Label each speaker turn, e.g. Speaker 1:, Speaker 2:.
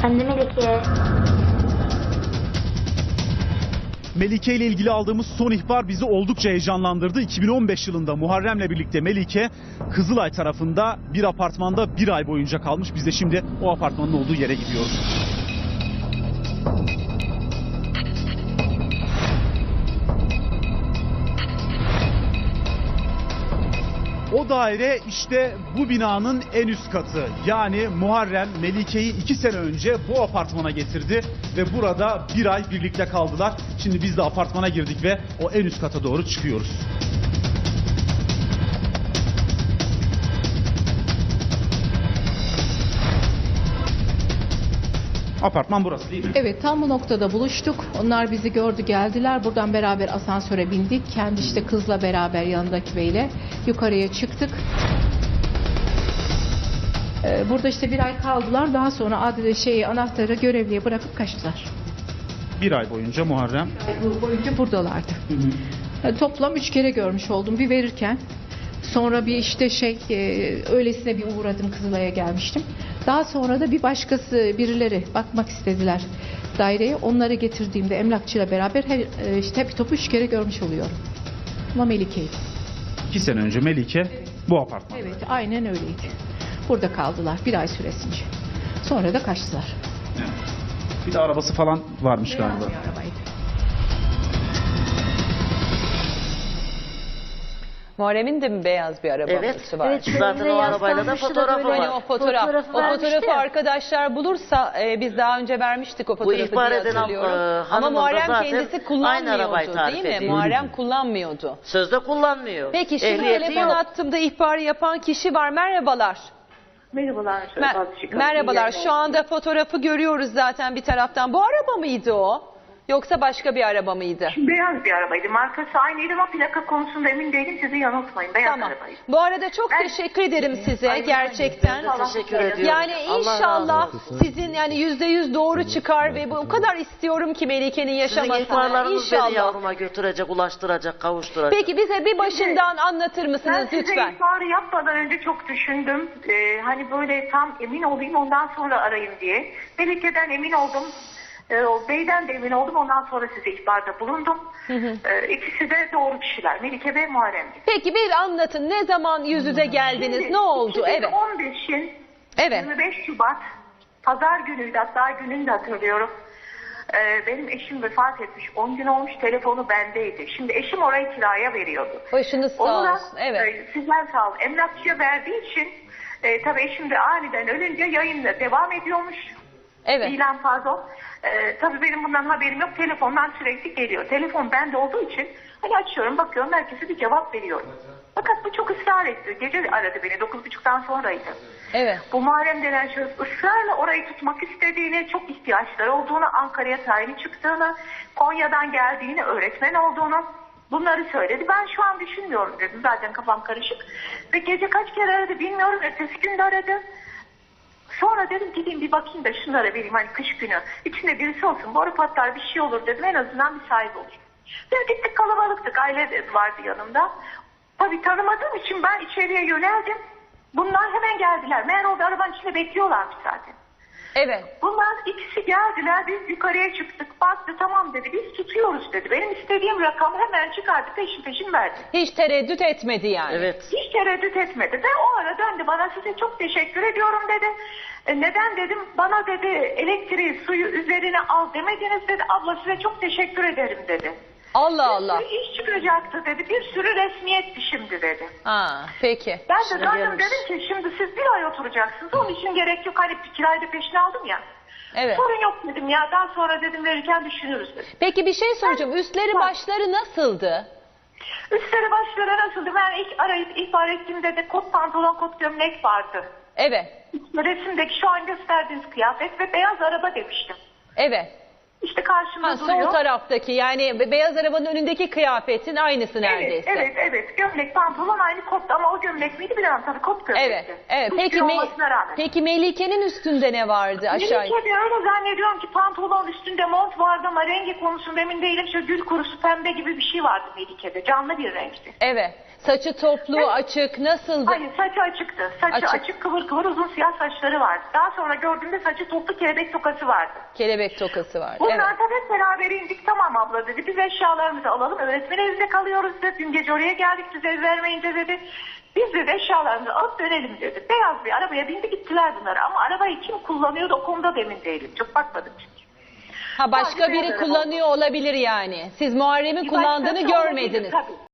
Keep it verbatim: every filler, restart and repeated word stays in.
Speaker 1: Efendim Melike.
Speaker 2: Melike ile ilgili aldığımız son ihbar bizi oldukça heyecanlandırdı. iki bin on beş yılında Muharrem'le birlikte Melike Kızılay tarafında bir apartmanda bir ay boyunca kalmış. Biz de şimdi o apartmanın olduğu yere gidiyoruz. O daire işte bu binanın en üst katı. Yani Muharrem Melike'yi iki sene önce bu apartmana getirdi ve burada bir ay birlikte kaldılar. Şimdi biz de apartmana girdik ve o en üst kata doğru çıkıyoruz. Apartman burası değil mi?
Speaker 3: Evet, tam bu noktada buluştuk. Onlar bizi gördü, geldiler. Buradan beraber asansöre bindik. Kendi işte kızla beraber yanındaki beyle yukarıya çıktık. Ee, Burada işte bir ay kaldılar. Daha sonra adile şeyi anahtarı görevliye bırakıp kaçtılar.
Speaker 2: Bir ay boyunca Muharrem.
Speaker 3: Bu boyunca buradalardı. Ee, Toplam üç kere görmüş oldum. Bir verirken, sonra bir işte şey e, öylesine bir uğradım, Kızılay'a gelmiştim. Daha sonra da bir başkası, birileri bakmak istediler daireye. Onları getirdiğimde emlakçıyla beraber her, e, işte hep topu üç kere görmüş oluyorum. Ama Melike'ydi.
Speaker 2: İki sene önce Melike bu apartman.
Speaker 3: Evet, aynen öyleydi. Burada kaldılar bir ay süresince. Sonra da kaçtılar.
Speaker 2: Evet. Bir de arabası falan varmış
Speaker 3: Beyaz
Speaker 2: galiba.
Speaker 3: bir arabaydı.
Speaker 4: Muharrem'in de mi beyaz bir arabası
Speaker 5: Evet.
Speaker 4: var?
Speaker 5: Evet, zaten o arabayla da fotoğrafı
Speaker 4: Hani
Speaker 5: var.
Speaker 4: o fotoğraf,
Speaker 5: Fotoğrafı
Speaker 4: o
Speaker 5: vermişti
Speaker 4: fotoğrafı
Speaker 5: ya.
Speaker 4: arkadaşlar bulursa e, biz daha önce vermiştik o fotoğrafı
Speaker 5: ihbar
Speaker 4: diye
Speaker 5: eden,
Speaker 4: hatırlıyorum.
Speaker 5: e,
Speaker 4: Ama
Speaker 5: hanımın da
Speaker 4: Muharrem
Speaker 5: zaten
Speaker 4: kendisi
Speaker 5: aynı arabayı
Speaker 4: kullanmıyordu
Speaker 5: tarif
Speaker 4: değil mi?
Speaker 5: ediyor.
Speaker 4: Muharrem kullanmıyordu.
Speaker 5: Sözde kullanmıyor.
Speaker 4: Peki şimdi
Speaker 5: Ehliyeti
Speaker 4: telefon
Speaker 5: yok.
Speaker 4: attığımda ihbarı yapan kişi var. Merhabalar.
Speaker 6: Merhabalar.
Speaker 4: Mer-
Speaker 6: Bazı
Speaker 4: Merhabalar. Şu anda fotoğrafı görüyoruz zaten bir taraftan. Bu araba mıydı o? Yoksa başka bir araba mıydı?
Speaker 6: Beyaz bir arabaydı. Markası aynıydı ama plaka konusunda emin değilim. Sizi yanıltmayın. Beyaz
Speaker 4: Tamam.
Speaker 6: arabaydı.
Speaker 4: Bu arada çok
Speaker 6: Ben-
Speaker 4: teşekkür ederim size
Speaker 6: Ay,
Speaker 4: gerçekten.
Speaker 5: Ben de teşekkür ediyorum.
Speaker 4: Yani
Speaker 5: Allah
Speaker 4: inşallah
Speaker 5: razı olsun.
Speaker 4: sizin yani yüzde yüz doğru çıkar ve bu o kadar istiyorum ki Melike'nin
Speaker 5: Sizin
Speaker 4: yaşamasını.
Speaker 5: ihbarlarınız beni
Speaker 4: İnşallah.
Speaker 5: yavruma götürecek, ulaştıracak, kavuşturacak.
Speaker 4: Peki bize bir başından anlatır
Speaker 6: Ben
Speaker 4: mısınız
Speaker 6: size
Speaker 4: lütfen?
Speaker 6: ihbarı yapmadan önce çok düşündüm. Ee, hani böyle tam emin olayım ondan sonra arayayım diye. Melike'den emin oldum. Ee, o beyden de emin oldum. Ondan sonra size ihbarda bulundum. Ee, ikisi de doğru kişiler. Melike ve Muharrem'di.
Speaker 4: Peki bir anlatın. Ne zaman yüz yüze geldiniz?
Speaker 6: Şimdi
Speaker 4: Ne oldu? Evet.
Speaker 6: iki bin on beşin
Speaker 4: Evet.
Speaker 6: yirmi beş Şubat Pazar günüydü, hatta gününü de hatırlıyorum. Ee, benim eşim vefat etmiş. on gün olmuş, telefonu bendeydi. Şimdi eşim orayı kiraya veriyordu.
Speaker 4: Başınız sağ
Speaker 6: Onu da,
Speaker 4: olsun. Evet.
Speaker 6: e, sizler sağ olun. Emlakçıya verdiği için e, tabii eşim de aniden ölünce yayınla devam ediyormuş.
Speaker 4: Evet.
Speaker 6: İlan pardon. Ee, tabii benim bundan haberim yok. Telefondan sürekli geliyor. Telefon bende olduğu için hani açıyorum, bakıyorum, herkese bir cevap veriyorum. Fakat bu çok ısrar etti. Gece aradı beni. Dokuz buçuktan sonraydı.
Speaker 4: Evet.
Speaker 6: Bu Muharrem denen şahıs ısrarla orayı tutmak istediğini, çok ihtiyaçları olduğunu, Ankara'ya tayini çıktığını, Konya'dan geldiğini, öğretmen olduğunu bunları söyledi. Ben şu an düşünmüyorum dedim. Zaten kafam karışık. Ve gece kaç kere aradı bilmiyorum. Ertesi gün de aradı. Sonra dedim gideyim bir bakayım da şunlara vereyim, hani kış günü. İçinde birisi olsun, boru patlar, bir şey olur dedim. En azından bir sahibi olur. Biz gittik, kalabalıktık. Aile de vardı yanımda. Tabii tanımadığım için ben içeriye yöneldim. Bunlar hemen geldiler. Meğer orada arabanın içinde bekliyorlarmış zaten.
Speaker 4: Evet.
Speaker 6: Bunlar ikisi geldiler. Biz yukarıya çıktık. Baktı, tamam dedi. Biz tutuyoruz dedi. Benim istediğim rakamı hemen çıkardı. Peşin peşin verdi.
Speaker 4: Hiç tereddüt etmedi yani.
Speaker 5: Evet.
Speaker 6: Hiç tereddüt etmedi. Ve o ara döndü bana, size çok teşekkür ediyorum dedi. E, neden dedim, bana dedi elektriği, suyu üzerine al demediniz dedi. Abla size çok teşekkür ederim dedi.
Speaker 4: Allah Allah.
Speaker 6: Bir iş çıkacaktı dedi. Bir sürü resmiyetti şimdi dedi.
Speaker 4: Ha, peki.
Speaker 6: Ben de
Speaker 5: Şimdi
Speaker 6: zaten
Speaker 5: gelmiş.
Speaker 6: dedim ki şimdi siz bir ay oturacaksınız. Onun için gerek yok. Hani bir kirayı da peşine aldım ya.
Speaker 4: Evet.
Speaker 6: Sorun yok dedim ya. Daha sonra dedim verirken düşünürüz dedim.
Speaker 4: Peki bir şey soracağım. Üstleri
Speaker 6: Bak.
Speaker 4: başları nasıldı?
Speaker 6: Üstleri başları nasıldı? Ben ilk arayıp ihbar ettiğimde de kot pantolon, kot gömlek vardı.
Speaker 4: Evet.
Speaker 6: Resimdeki şu an gösterdiğiniz kıyafet ve beyaz araba demiştim.
Speaker 4: Evet.
Speaker 6: İşte karşımda
Speaker 4: Ha,
Speaker 6: duruyor.
Speaker 4: sol taraftaki yani be- beyaz arabanın önündeki kıyafetin aynısı neredeyse.
Speaker 6: Evet, evet, evet. Gömlek, pantolon aynı kot ama o gömlek miydi bilemem tabii kot gömlekti.
Speaker 4: Evet, evet.
Speaker 6: Üstü
Speaker 4: Peki, Me-
Speaker 6: olmasına rağmen.
Speaker 4: peki Melike'nin üstünde ne vardı aşağı?
Speaker 6: Melike de öyle zannediyorum ki pantolon üstünde mont vardı ama rengi konusunda emin değilim. Şöyle gül kurusu pembe gibi bir şey vardı Melike'de. Canlı bir renkti.
Speaker 4: Evet. Saçı toplu,
Speaker 6: Evet.
Speaker 4: açık, nasıldı?
Speaker 6: Hayır, saçı açıktı. Saçı
Speaker 4: Açık.
Speaker 6: açık, kıvır kıvır uzun siyah saçları vardı. Daha sonra gördüğümde saçı toplu kelebek tokası vardı.
Speaker 4: Kelebek tokası vardı.
Speaker 6: Bunlar
Speaker 4: Evet.
Speaker 6: da hep beraber indik. Tamam abla dedi. Biz eşyalarımızı alalım. Öğretmen evinde kalıyoruz dedi. Dün gece oraya geldik siz ev vermeyince dedi. Biz de eşyalarımızı alıp dönelim dedi. Beyaz bir arabaya bindi gittiler bunlar. Ama arabayı kim kullanıyordu o konuda da emin değilim. Çok bakmadım çünkü.
Speaker 4: Ha, başka
Speaker 6: Sadece
Speaker 4: biri
Speaker 6: beyaz araba.
Speaker 4: kullanıyor olabilir yani. Siz Muharrem'in
Speaker 6: Bir
Speaker 4: kullandığını
Speaker 6: başkası olabilir,
Speaker 4: görmediniz.
Speaker 6: tabii.